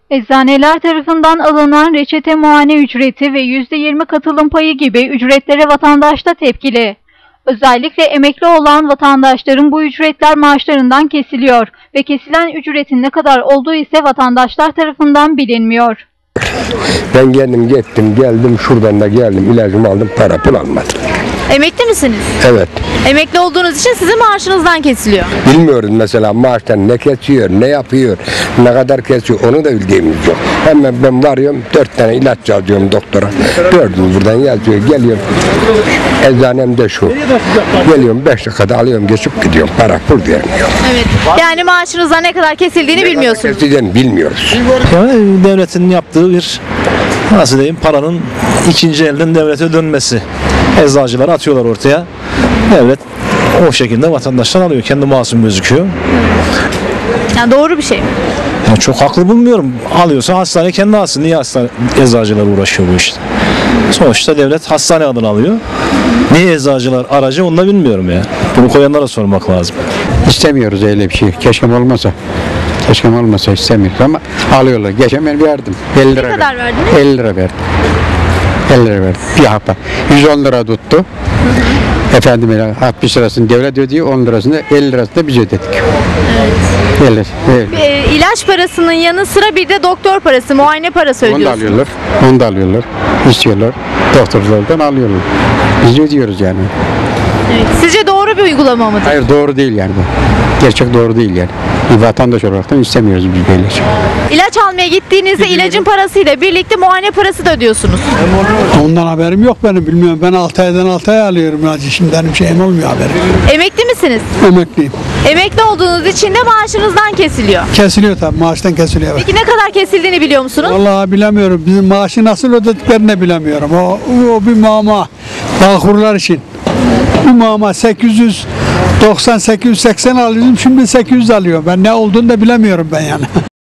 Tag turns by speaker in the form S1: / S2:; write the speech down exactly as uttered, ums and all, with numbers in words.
S1: Eczaneler tarafından alınan reçete muayene ücreti ve yüzde yirmi katılım payı gibi ücretlere vatandaş da tepkili. Özellikle emekli olan vatandaşların bu ücretler maaşlarından kesiliyor ve kesilen ücretin ne kadar olduğu ise vatandaşlar tarafından bilinmiyor.
S2: Ben kendim gittim, geldim, şuradan da geldim, ilacımı aldım, para pul almadım.
S3: Emekli misiniz?
S2: Evet.
S3: Emekli olduğunuz için sizin maaşınızdan kesiliyor.
S2: Bilmiyoruz mesela maaştan ne kesiyor, ne yapıyor, ne kadar kesiyor, onu da bildiğimiz yok. Hemen ben varıyorum, dört tane ilaç yazıyorum doktora. Dördünü buradan yazıyor, geliyorum. Eczanemde şu. Geliyorum, beş dakikada alıyorum, geçip gidiyorum. Para pul vermiyor.
S3: Evet. Yani maaşınızdan ne kadar kesildiğini
S2: Ne
S3: bilmiyorsunuz.
S2: kadar kesildiğini bilmiyoruz.
S4: Yani devletin yaptığı bir, nasıl diyeyim, paranın ikinci elden devlete dönmesi. Eczacılar atıyorlar ortaya. Devlet o şekilde vatandaştan alıyor. Kendi masum gözüküyor.
S3: Yani doğru bir şey mi?
S4: Yani çok haklı bulmuyorum. Alıyorsa hastane kendi alsın. Niye hastane, eczacılar uğraşıyor bu işte? Sonuçta devlet hastane adını alıyor. Niye eczacılar aracı onu da bilmiyorum ya. Bunu koyanlara sormak lazım.
S5: İstemiyoruz öyle bir şey. Keşke olmasa. Keşke olmasa istemiyoruz ama alıyorlar. Geçen ben verdim. elli lira
S3: Ne kadar
S5: verdim.
S3: verdiniz?
S5: elli lira verdim. elli lira verdim. Bir hafta. yüz on lira tuttu. Hı hı. Efendim altmış lirasını devlet ödüyor, on lirasını da elli lirasını da biz ödedik. Evet. elli, evet.
S3: E, ilaç parasının yanı sıra bir de doktor parası, muayene parası
S5: Onu da
S3: ödüyorsunuz.
S5: alıyorlar. Onu da alıyorlar. İstiyorlar. Doktorlardan alıyorlar. Biz ödüyoruz yani.
S3: Evet. Sizce doğru bir uygulama mıdır?
S5: Hayır, doğru değil yani bu. Gerçek doğru değil yani. Bir vatandaş olaraktan istemiyoruz biz böyle şey.
S3: İlaç almaya gittiğinizde ilacın parasıyla birlikte muayene parası da ödüyorsunuz.
S6: Ondan haberim yok benim, bilmiyorum. Ben altı aydan altı ay alıyorum ilacı. Şimdi benim şeyim olmuyor haberim.
S3: Emekli misiniz?
S6: Emekliyim.
S3: Emekli olduğunuz için de maaşınızdan kesiliyor.
S6: Kesiliyor tabii, maaştan kesiliyor. Evet.
S3: Peki ne kadar kesildiğini biliyor musunuz?
S6: Vallahi bilemiyorum. Bizim maaşı nasıl ödediklerini de bilemiyorum. O, o bir muamma. Bağkurlar için. Bu muamma sekiz yüz doksan sekiz yüz seksen alıyordum. Şimdi sekiz yüz alıyorum. Ben ne olduğunu da bilemiyorum ben yani.